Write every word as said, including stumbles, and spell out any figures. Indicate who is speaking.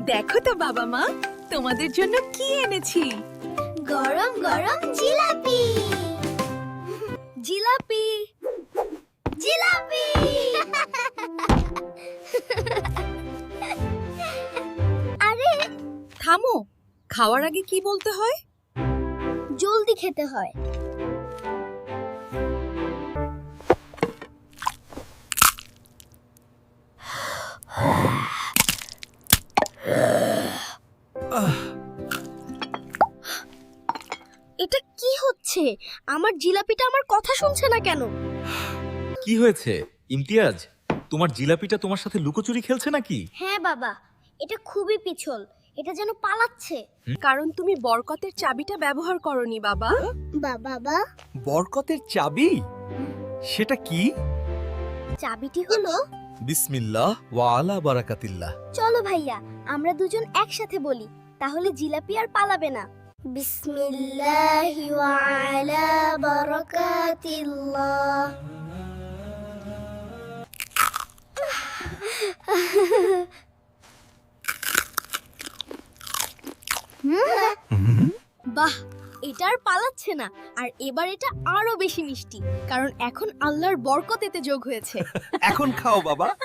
Speaker 1: দেখো তো বাবা মা, তোমাদের জন্য কি এনেছি।
Speaker 2: গরম গরম জিলাপি জিলাপি জিলাপি আরে
Speaker 1: থামো, খাওয়ার আগে কি বলতে হয়?
Speaker 2: জলদি খেতে হয়। এটা কি হচ্ছে? আমার জিলাপিটা আমার কথা শুনছে না কেন?
Speaker 3: কি হয়েছে ইমতিয়াজ? তোমার জিলাপিটা তোমার সাথে লুকোচুরি খেলছে নাকি?
Speaker 2: হ্যাঁ বাবা, এটা খুবই পিছল। এটা যেন পালাচ্ছে।
Speaker 1: কারণ তুমি বরকতের চাবিটা ব্যবহার করনি বাবা।
Speaker 2: বাবা,
Speaker 4: বরকতের চাবি? সেটা কি?
Speaker 2: চাবিটি হলো,
Speaker 4: বিসমিল্লাহ ওয়া আলা বারাকাতিল্লাহ।
Speaker 2: চলো ভাইয়া আমরা দুজন একসাথে বলি, তাহলে জিলাপি আর পালাবে না। বিসমিল্লাহি ওয়া আলা বারাকাতিল্লাহ। বাহ, এটা আর পালাচ্ছে না। আর এবার এটা আরো বেশি মিষ্টি, কারণ এখন আল্লাহর বরকত এতে যোগ হয়েছে।
Speaker 4: এখন খাও বাবা।